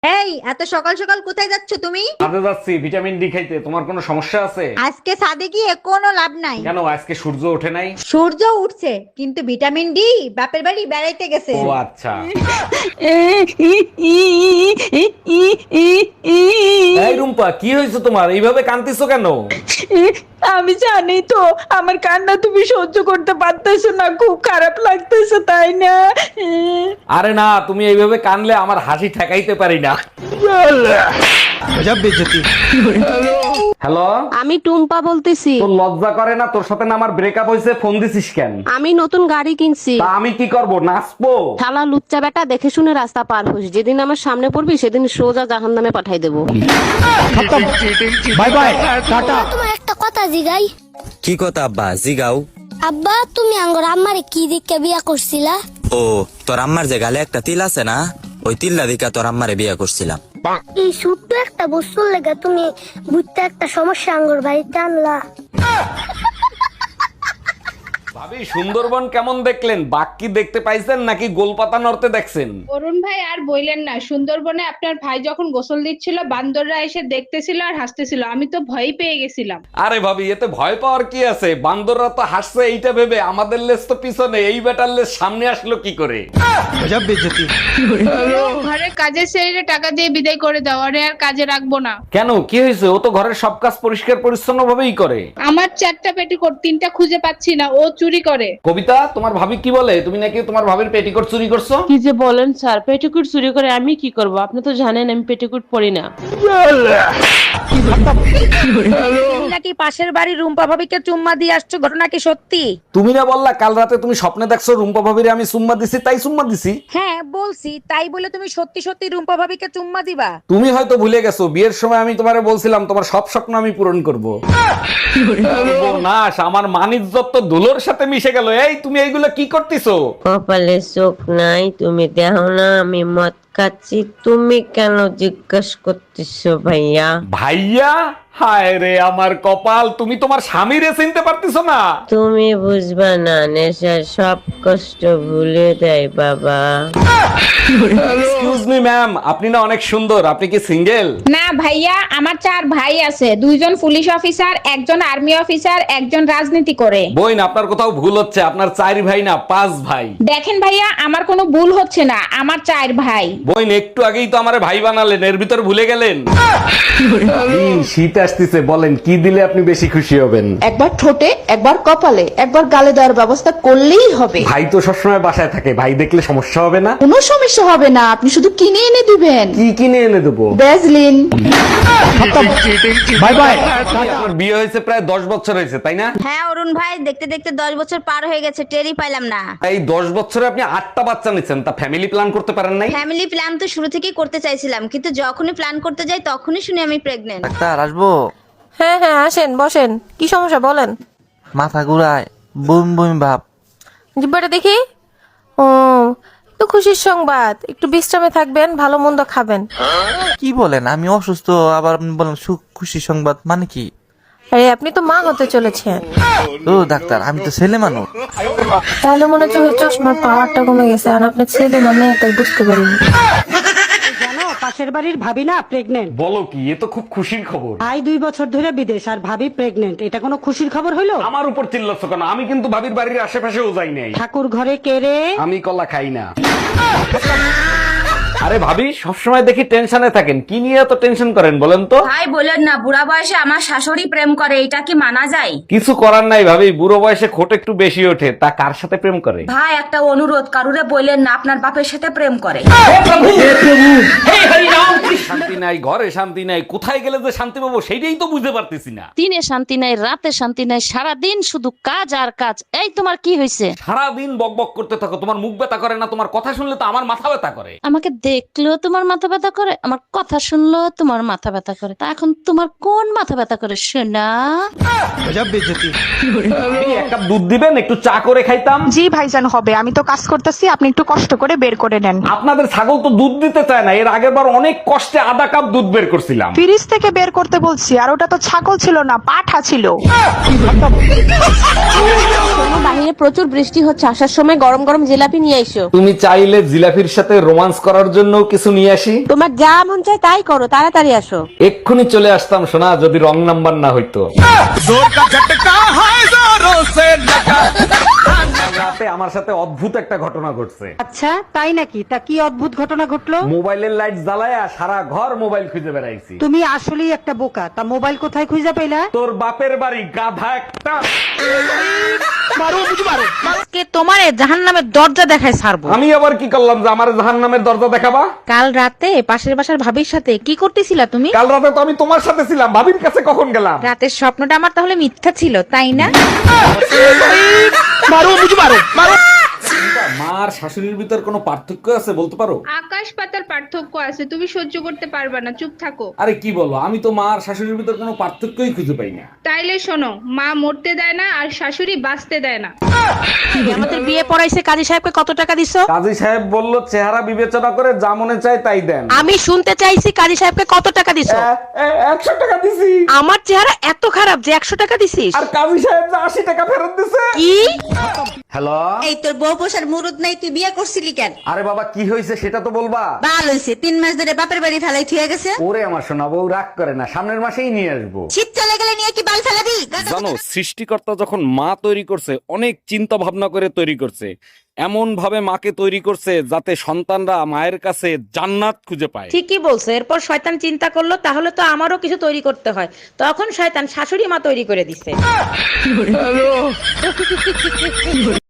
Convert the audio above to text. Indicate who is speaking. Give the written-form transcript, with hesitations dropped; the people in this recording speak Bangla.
Speaker 1: এই এত সকাল সকাল কোথায় যাচ্ছ তুমি?
Speaker 2: কাজে যাচ্ছি ভিটামিন ডি খাইতে। তোমার কোনো সমস্যা আছে?
Speaker 1: আজকে ছাদে গিয়ে কোনো লাভ নাই।
Speaker 2: কেন, আজকে সূর্য ওঠে নাই?
Speaker 1: সূর্য উঠছে কিন্তু ভিটামিন ডি বাপের বাড়ি বেড়াইতে গেছে।
Speaker 2: ও আচ্ছা। এই রুম্পা, কি হয়েছে তোমার? এইভাবে কাঁদতেছো কেন?
Speaker 3: আমি জানি তো আমার কান্না তুমি সহ্য করতে পারতেছো না, খুব খারাপ লাগতেছে তাই না?
Speaker 2: আরে না, তুমি এইভাবে কানলে আমার হাসি ঠেকাইতে পারি না। হ্যালো,
Speaker 4: আমি টুম্পা বলতেছি।
Speaker 2: তোর লজ্জা করে না? তোর সাথে না আমার ব্রেকআপ হয়েছে, ফোন দিছিস কেন?
Speaker 4: আমি নতুন গাড়ি কিনছি।
Speaker 2: তা আমি কি করব, নাচবো?
Speaker 4: শালা লুচ্চা বেটা, দেখে শুনে রাস্তা পার হোস, যেদিন আমার সামনে পড়বি সেদিন সোজা জাহান্নামে পাঠাই দেবো।
Speaker 2: Bye bye, tata.
Speaker 5: তোমার একটা কথা জিগাই।
Speaker 6: কি কথা আব্বা? জিগাও।
Speaker 5: আব্বা তুমি আঙ্গর আম্মারে কি দিকে বিয়া করছিলা?
Speaker 6: ও, তোর আম্মার যে গালে একটা তিল আছে না, ওই তিল্লা দিকা তোর আম্মারে বিয়ে করছিলাম।
Speaker 5: এই ছোট্ট একটা বস্তুর লেগে তুমি বুঝতে একটা সমস্যা আঙ্গর বাড়িতে আনলা।
Speaker 2: ভাবি, সুন্দরবন কেমন দেখলেন? বাঘ কি দেখতে পাইছেন নাকি গোলপাতা নড়তে দেখছেন?
Speaker 7: অরুণ ভাই আর বইলেন না, সুন্দরবনে আপনার ভাই যখন গোসল দিচ্ছিল বান্দররা এসে দেখতেছিল আর হাসতেছিল, আমি তো ভয় পেয়ে গেছিলাম।
Speaker 2: আরে ভাবি, এতে ভয় পাওয়ার কি আছে? বান্দররা তো হাসছে এইটা ভেবে, আমাদের লেজ তো পিছনে, এই বেটার লেজ সামনে আসলো কি করে?
Speaker 7: ঘরে কাজের ছেড়ে টাকা দিয়ে বিদায় করে দাও, আরে আর কাজে রাখবো না।
Speaker 2: কেন, কি হয়েছে? ও তো ঘরের সব কাজ পরিষ্কার পরিচ্ছন্ন ভাবেই করে।
Speaker 7: আমার 4টা পেটিকোট, 3টা খুঁজে পাচ্ছি না, ও চুরি করে।
Speaker 2: কবিতা, তোমার ভাবি কি বলে? তুমি নাকি তোমার ভাবির পেটিকোট চুরি করছো?
Speaker 3: কি যে বলেন স্যার, পেটিকুট চুরি করে আমি কি করব? আপনি তো জানেন আমি পেটিকুট পরি না।
Speaker 1: তুমি নাকি পাশের বাড়ির রুম্পা ভাবিকে চুম্মা দিয়ে আসছো, ঘটনা কি সত্যি?
Speaker 2: তুমি না বললা কাল রাতে তুমি স্বপ্নে দেখছো রুম্পা ভাবিরে আমি চুম্মা দিছি, তাই চুম্মা দিছি।
Speaker 1: হ্যাঁ বলছি, তাই বলে তুমি সত্যি সত্যি রুম্পা ভাবিকে চুম্মা দিবা?
Speaker 2: তুমি হয়তো ভুলে গেছো, বিয়ের সময় আমি তোমারে বলছিলাম তোমার সব স্বপ্ন আমি পূরণ করব। নাশ, আমার মানিজ্জত তো ধুলোর সাথে মিশে গেল। এই তুমি এইগুলো কি করতেছো?
Speaker 8: কপালে চোখ নাই, তুমি দেখো না আমি মদ খাচ্ছি, তুমি কেন জিজ্ঞেস করতেছো ভাইয়া?
Speaker 2: ভাইয়া? হায় রে আমার কপাল, তুমি তোমার স্বামীরে চিনতে পারতেছো না?
Speaker 8: তুমি বুঝবা না, নেশা সব কষ্ট ভুলে দেয় বাবা।
Speaker 2: এক্সকিউজ মি ম্যাম, আপনি না অনেক সুন্দর, আপনি কি সিঙ্গেল?
Speaker 7: না ভাইয়া, আমার 4 ভাই আছে, 2জন পুলিশ অফিসার, একজন আর্মি অফিসার, একজন রাজনীতি করে।
Speaker 2: বইন, আপনার কোথাও ভুল হচ্ছে, আপনার 4 ভাই না 5 ভাই।
Speaker 7: দেখেন ভাইয়া, আমার কোনো ভুল হচ্ছে না, আমার 4 ভাই।
Speaker 2: বইন, একটু আগেই তো আমারে ভাই বানালেন, এর ভিতর ভুলে গেলেন। শীত আসতেছে, বলেন কি দিলে আপনি বেশি খুশি হবেন?
Speaker 3: একবার ঠোঁটে, একবার কপালে, একবার গালে দেওয়ার ব্যবস্থা করলেই হবে।
Speaker 2: ভাই তো সবসময় বাসায় থাকে, ভাই দেখলে সমস্যা হবে না?
Speaker 3: কোনো সমস্যা হবে না, আপনি শুধু কিনে এনে দিবেন।
Speaker 2: কি কিনে এনে দেবো?
Speaker 3: ভ্যাজলিন।
Speaker 2: Bye bye. আপনার বিয়ে হয়েছে প্রায় 10 বছর হয়েছে, তাই না?
Speaker 1: হ্যাঁ অরুণ ভাই, দেখতে দেখতে 10 বছর পার হয়ে গেছে, টেরই পাইলাম না।
Speaker 2: এই 10 বছরে আপনি 8টা বাচ্চা নিচ্ছেন, তা ফ্যামিলি প্ল্যান করতে পারেন নাই?
Speaker 1: ফ্যামিলি প্ল্যান তো শুরু থেকেই করতে চাইছিলাম, কিন্তু যখনই প্ল্যান করতে যাই তখনই শুনি আমি প্রেগনেন্ট।
Speaker 9: ডাক্তার আসবো?
Speaker 3: হ্যাঁ হ্যাঁ আসেন, বসেন। কি সমস্যা বলেন?
Speaker 9: মাথা ঘুরায়, বুম বুম ভাব।
Speaker 3: জিব্বাটা দেখি। ও, তো খুশির সংবাদ, একটু বিশ্রামে থাকবেন, ভালো মন্দ খাবেন।
Speaker 9: কি বলেন? আমি অসুস্থ, আবার আপনি বলেন সুখ খুশি সংবাদ, মানে কি?
Speaker 3: আরে আপনি তো মা হতে চলেছেন।
Speaker 9: ও ডাক্তার, আমি তো ছেলে মানুষ।
Speaker 3: তাহলে মনে হচ্ছে ওই চশমার পাওয়ারটা কমে গেছে, আর আপনার ছেলে মানে তাই বুঝতে পারিনি।
Speaker 10: জানো পাশের বাড়ির ভাবি না প্রেগনেন্ট।
Speaker 2: বলো কি, এ তো খুব খুশির খবর।
Speaker 10: ভাই 2 বছর ধরে বিদেশ আর ভাবি প্রেগনেন্ট, এটা কোনো খুশির খবর হইলো?
Speaker 2: আমার উপর চিল্লাচ্ছ কেন? আমি কিন্তু ভাবির বাড়ির আশেপাশেও যাই নাই।
Speaker 10: ঠাকুর ঘরে কেড়ে।
Speaker 2: আমি কলা খাই না। আরে ভাবি, সবসময় দেখি টেনশনে থাকেন, কি নিয়ে এত টেনশন করেন বলেন তো?
Speaker 4: ভাই বলেন না, বুড়া বয়সে আমার শাশুড়ি প্রেম করে, এটা কি মানা যায়?
Speaker 2: কিছু করার নাই ভাবি, বুড়ো বয়সে খোট একটু বেশি ওঠে, তা কার সাথে প্রেম করে?
Speaker 4: ভাই একটা অনুরোধ, কারুরে বললেন না আপনার বাপের সাথে প্রেম করে।
Speaker 2: শান্তি নাই, ঘরে শান্তি নাই, কোথায় গেলে যে শান্তি পাবো সেইটাই তো বুঝতে পারতেছি না।
Speaker 4: দিনে শান্তি নাই, রাতে শান্তি নাই, সারাদিন শুধু কাজ আর কাজ। এই তোমার কি হয়েছে?
Speaker 2: সারাদিন বকবক করতে থাকো, তোমার মুখ ব্যথা করে না? তোমার কথা শুনলে তো আমার মাথা ব্যথা করে।
Speaker 4: আমাকে দেখলেও তোমার মাথা ব্যথা করে, আমার কথা শুনলেও তোমার মাথা ব্যথা করে, তা এখন তোমার কোন মাথা ব্যথা করে শোনা?
Speaker 2: এক কাপ দুধ দিবেন, একটু চা করে খাইতাম।
Speaker 3: জি ভাইজান হবে, আমি তো কাজ করতেছি, আপনি একটু কষ্ট করে বের করে নেন।
Speaker 2: আপনাদের ছাগল তো দুধ দিতে চায় না, এর আগের বার অনেক কষ্টে আধা কাপ কাপ দুধ বের করছিলাম।
Speaker 3: ফ্রিজ থেকে বের করতে বলছি, আর ওটা তো ছাগল ছিল না, পাঠা ছিল।
Speaker 4: বাহিরে প্রচুর বৃষ্টি হচ্ছে, আসার সময় গরম গরম জিলাপি নিয়ে আইসো।
Speaker 2: তুমি চাইলে জিলাফির সাথে রোমান্স করার জন্য কিছু নিয়ে আসি।
Speaker 4: তোমার যা মন চায় তাই করো, তাড়াতাড়ি আসো।
Speaker 2: এক্ষুনি চলে আসতাম সোনা, যদি রং নাম্বার না হইতো। রাতে আমার সাথে অদ্ভুত একটা ঘটনা ঘটছে।
Speaker 10: আচ্ছা তাই নাকি? তা কি অদ্ভুত ঘটনা ঘটলো?
Speaker 2: মোবাইলের লাইট জ্বালায়া সারা ঘর মোবাইল খুঁজে বেড়াইছি।
Speaker 10: তুমি আসলেই একটা বোকা। তা মোবাইল কোথায় খুঁজে পেলা?
Speaker 2: তোর বাপের বাড়ি, গাধা একটা।
Speaker 1: আজকে তোমারে জাহান্নামের দরজা দেখায় ছাড়বো।
Speaker 2: আমি আবার কি করলাম যে আমার জাহান্নামের দরজা দেখাবা?
Speaker 1: কাল রাতে পাশের বাসার ভাবির সাথে কি করতেছিলা তুমি?
Speaker 2: কাল রাতে তো আমি তোমার সাথে ছিলাম, ভাবির কাছে কখন গেলাম?
Speaker 1: রাতের স্বপ্নটা আমার তাহলে মিথ্যা ছিল, তাই না?
Speaker 2: মার শাশুড়ির ভিতর কোনো পার্থক্য আছে বলতে পারো?
Speaker 7: আকাশ পাতার পার্থক্য আছে, তুমি সহ্য করতে পারবে না, চুপ থাকো।
Speaker 2: আরে কি বলো, আমি তো মার শাশুড়ির ভিতর কোনো পার্থক্যই খুঁজে পাই না।
Speaker 7: তাইলে শোনো, মা মরতে দেয় না আর শাশুড়ি বাঁচতে দেয় না।
Speaker 1: আমাদের বিয়ে পড়াইছে, কাজী সাহেবকে কত টাকা দিছো?
Speaker 2: কাজী সাহেব বলল চেহারা বিবেচনা করে যা মনে চায় তাই দেন।
Speaker 1: আমি শুনতে চাইছি কাজী সাহেবকে কত টাকা দিছো?
Speaker 2: 100 টাকা দিছি।
Speaker 1: আমার চেহারা এত খারাপ যে 100 টাকা দিছিস?
Speaker 2: আর কাজী সাহেব যে 80 টাকা ফেরত দিছে।
Speaker 1: কি?
Speaker 2: হ্যালো,
Speaker 3: এই তোর বউ পোষার মুরুদ নাই, তুই বিয়ে করছিলি কেন?
Speaker 2: আরে বাবা কি হয়েছে সেটা তো বলবা।
Speaker 3: বাল হইছে, 3 মাস ধরে বাপের বাড়ি ফেলাই থুয়ে গেছে।
Speaker 2: ওরে আমার সোনা বউ রাগ করে না, সামনের মাসেই নিয়ে আসবো।
Speaker 3: শীত চলে গেলে নিয়ে কি বাল ফেলাবি?
Speaker 2: জানো, সৃষ্টিকর্তা যখন মা তৈরি করছে অনেক চিন্তা ভাবনা করে তৈরি করছে। এমন ভাবে মাকে তৈরি করছে যাতে সন্তানরা মায়ের কাছে জান্নাত খুঁজে পায়।
Speaker 1: ঠিকই বলছো। এরপর শয়তান চিন্তা করলো তাহলে তো আমারও কিছু তৈরি করতে হয়, তখন শয়তান শাশুড়ি মা তৈরি করে দিছে।